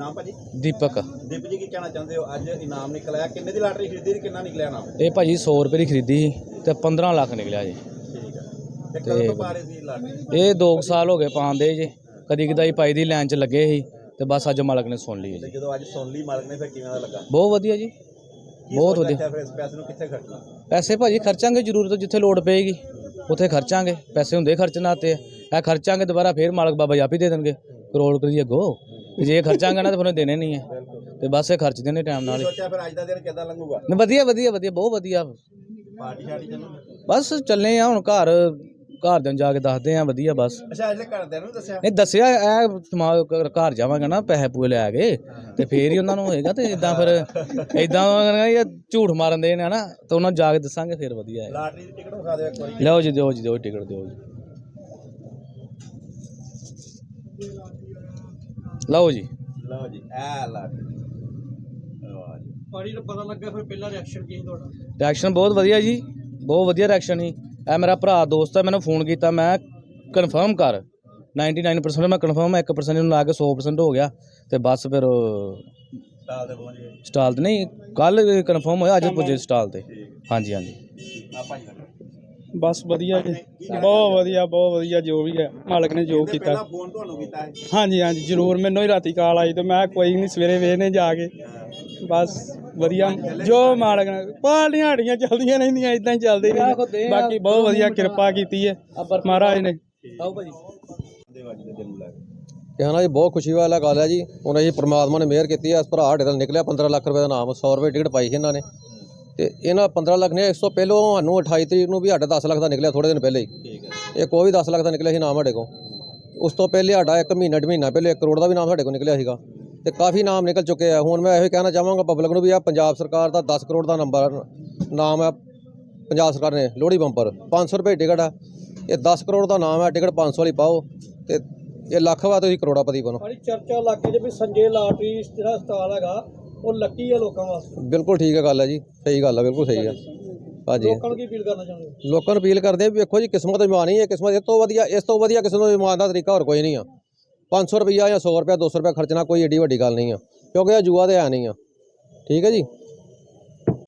नाम भाजी? दीपक। दीपक जी की कहना चाहते हो अज इनाम निकल आया, किन्ने दी लॉटरी खरीदी ते किन्ना निकलिया इनाम? ये भाजी 100 रुपये की खरीदी सी ते 15 लाख निकलिया जी। ठीक है, ते कदों तो पा रहे सी लॉटरी? ये 2 साल हो गए पाते जी, कदी कदाई पाई दी लैन च लगे ही ते बस अज मालक ने सुन ली जी। जो अज सुन ली मालक ने, फिर किवें दा लगा? बहुत वधिया जी, बहुत वधिया। फिर इस पैसे नूं कित्थे खर्चना? पैसे भाजी खर्चांगे जरूरत जिथे लोड़ पेगी उत्थे खर्चांगे, पैसे हुंदे खर्चना ते ए खर्चांगे दोबारा फिर मालक बाबा आप ही दे देंगे करोड़ रुपये अगो। जे खर्चांगे ना तो फिर देने नहीं है, तो बस ये खर्च देने टाइम नाल। सोचा फिर अज दा दिन किदां लंघूगा? वधिया वधिया वधिया, बहुत वधिया। पार्टी शार्टी चलूगी? बस चलने आ हुण घर जन जाके दसदे आ वधिया बस। अच्छा अजे घरदियां नूं दस्सिया? नहीं दस्सिया ए समाज घर जावांगा ना पैसे पूए लै के ते फिर ही उन्हां नूं होएगा, ते इदां फिर इदां झूठ मारन दे ने ना, तो उन्हां नूं जाके दस्सांगे फिर वधिया है। लॉटरी दी टिकट विखा दिओ एक बारी। लो जी, दो जी, दो टिकट दो जी, लो जी, लो जी ए लॉटरी। ਪਾਣੀ ਦਾ ਪਤਾ ਲੱਗਾ ਫਿਰ ਪਹਿਲਾ ਰਿਐਕਸ਼ਨ ਕੀ ਸੀ ਤੁਹਾਡਾ? रिएक्शन बहुत वधिया जी, बहुत वधिया रिएक्शन ही। ए मेरा भरा दोस्त है, मैंने फोन किया, मैं कन्फर्म कर 99% मैं कन्फर्म 1% ला के 100% हो गया, तो बस फिर स्टाल ते पहुंच गए? स्टाल ते नहीं, कल कन्फर्म होया, अज पुजे स्टाल ते। हाँ जी हाँ जी। आ भाजी लगा ਬਸ ਵਧੀਆ ਜੀ, ਬਹੁਤ ਵਧੀਆ ਜੋ ਵੀ ਹੈ ਮਾਲਕ ਨੇ ਜੋ ਕੀਤਾ। ਪਹਿਲਾ ਫੋਨ ਤੁਹਾਨੂੰ ਕੀਤਾ ਹੈ? ਹਾਂਜੀ ਹਾਂਜੀ ਜ਼ਰੂਰ, ਮੈਨੂੰ ਹੀ ਰਾਤੀ ਕਾਲ ਆਈ ਤੇ ਮੈਂ ਕੋਈ ਨਹੀਂ ਸਵੇਰੇ ਵੇਖਨੇ ਜਾ ਕੇ। ਬਸ ਵਧੀਆ ਜੋ ਮਾਲਕ ਨੇ, ਪਾਲੀਆਂ ਹੜੀਆਂ ਚੱਲਦੀਆਂ ਰਹਿੰਦੀਆਂ, ਇਦਾਂ ਹੀ ਚੱਲਦੀ ਰਹੀ। ਬਾਕੀ ਬਹੁਤ ਵਧੀਆ ਕਿਰਪਾ ਕੀਤੀ ਹੈ ਮਹਾਰਾਜ ਨੇ। आओ भाजी। देवाजी दे दिन मिला कहना जी बहुत खुशी वाला गल है जी, उन्हें जी परमात्मा ने मेहर की है। इस भरा साढ़े निकलिया 15 लाख रुपये का नाम, 100 रुपये टिकट पाई इन्हों ने, तो इन्होंने 15 लाख ने इस तो पहलों सानू 28 तरीक को भी साढ़े 10 लाख का निकलिया, थोड़े दिन पहले ही। ठीक है, एक वो भी 10 लाख का निकलिया ही नाम साढ़े को। उस तो पहले साढ़ा एक महीना डेढ़ महीना पहले 1 करोड़ का भी नाम साढ़े को निकलिया सीगा, तो काफ़ी नाम निकल चुके हैं। हुण मैं यही कहना चाहांगा पब्लिक को भी, आ पंजाब सरकार का 10 करोड़ का नंबर नाम है, पंजाब सरकार ने लोहड़ी बंपर 500 रुपये टिकट है, ये 10 करोड़ का नाम है, टिकट 500 वाली पाओ, तो ये लख वा तो करोड़ापति बनो। ਬੜੀ ਚਰਚਾ ਇਲਾਕੇ 'ਚ ਵੀ ਸੰਜੇ ਲਾਟਰੀ ਜਿਹੜਾ ਸਟਾਲ ਹੈਗਾ ਉਹ ਲੱਕੀ ਹੈ ਲੋਕਾਂ ਵਾਸਤੇ। बिल्कुल ठीक है गल है जी, सही गल है, बिल्कुल सही है। हाँ जी, ਲੋਕਾਂ ਨੂੰ ਕੀ ਅਪੀਲ ਕਰਨਾ ਚਾਹੁੰਦੇ ਹੋ? लोगों को अपील करते हैं भी देखो जी, किस्मत इमानी है, किस्मत इस तो वधिया किस्मत इमान का तरीका और कोई नहीं है। 500 रुपया या 100 रुपया 200 रुपया खर्चना कोई एडी वड्डी गल नहीं है, क्योंकि यह जुआ तो है नहीं है। ठीक है जी।